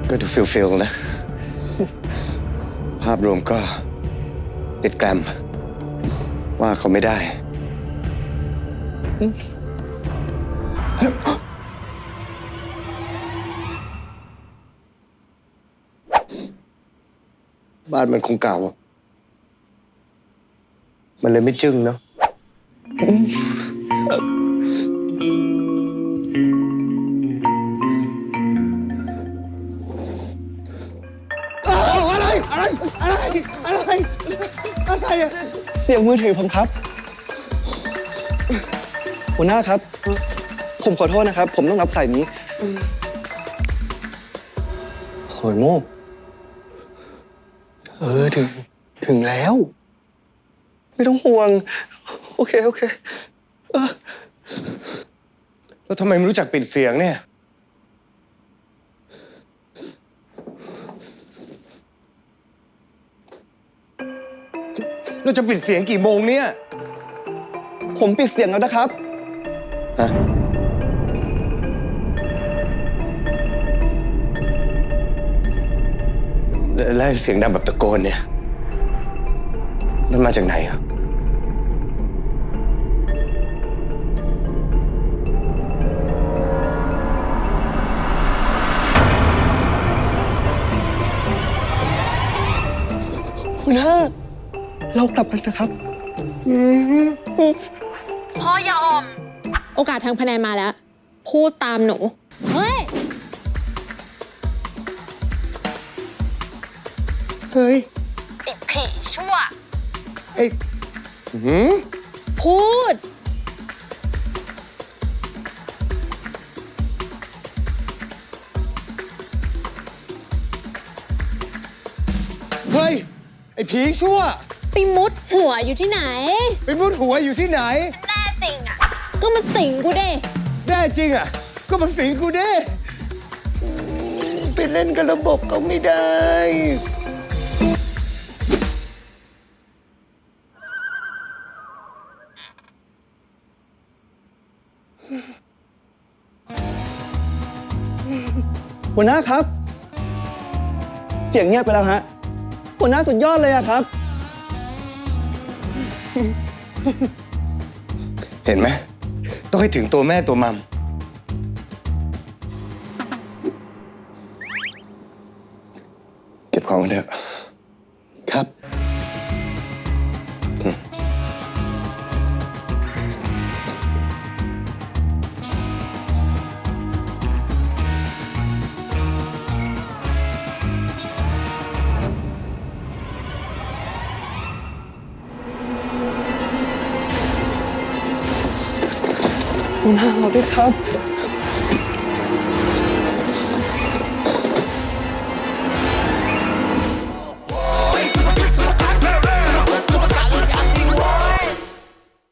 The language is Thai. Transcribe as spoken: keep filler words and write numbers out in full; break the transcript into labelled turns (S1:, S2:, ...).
S1: ก็ดูฟิลฟิลนะ ภาพรวมก็ติดแกรมว่าเขาไม่ได้ บ้านมันคงเก่า มันเลยไม่จึ้งเนาะอะไร อะไร อะไร อะไร อะไรอะ
S2: เสียงมือถือผมครับ หัวหน้าครับ ผมขอโทษนะครับ ผมต้องรับสายนี้โหยโม่เออถึง ถึงแล้ว ไม่ต้องห่วง โอเค โอเคเออ
S1: แล้วทำไมไม่รู้จักปิดเสียงเนี่ย เราจะปิดเสียงกี่โมงเนี่ย
S2: ผมปิดเสียงแล้วนะครับ
S1: ฮะ แล้วเสียงดังแบบตะโกนเนี่ย มันมาจากไหนครับ
S2: หัวหน้า เรากลับกันนะครับ
S3: พ่ออย่าอ่อม
S4: โอกาสทางคะแนนมาแล้ว พูดตามหนู เฮ้ย
S1: เฮ้ย
S3: ไอ้ผีชั่ว
S1: ไอ้หืม
S4: พูด
S1: เฮ้ย ไอ้ผีชั่ว
S4: ไปมุดหัวอยู่ที่ไหน
S1: ไปมุดหัวอยู่ที่ไหน
S3: แน่จริงอ่ะ
S4: ก็มาสิงกูเด้
S1: แน่จริงอ่ะ ก็มาสิงกูดิไปเล่นกับระบบเขาไม่ได้
S2: หัวหน้าครับ เสียงเงียบไปแล้วฮะ หัวหน้าสุดยอดเลยอะครับ
S1: เห็นไหม ต้องให้ถึงตัวแม่ตัวมัม เก็บของกันเถอะ
S2: ครับ หัวหน้าเราด้วยครับ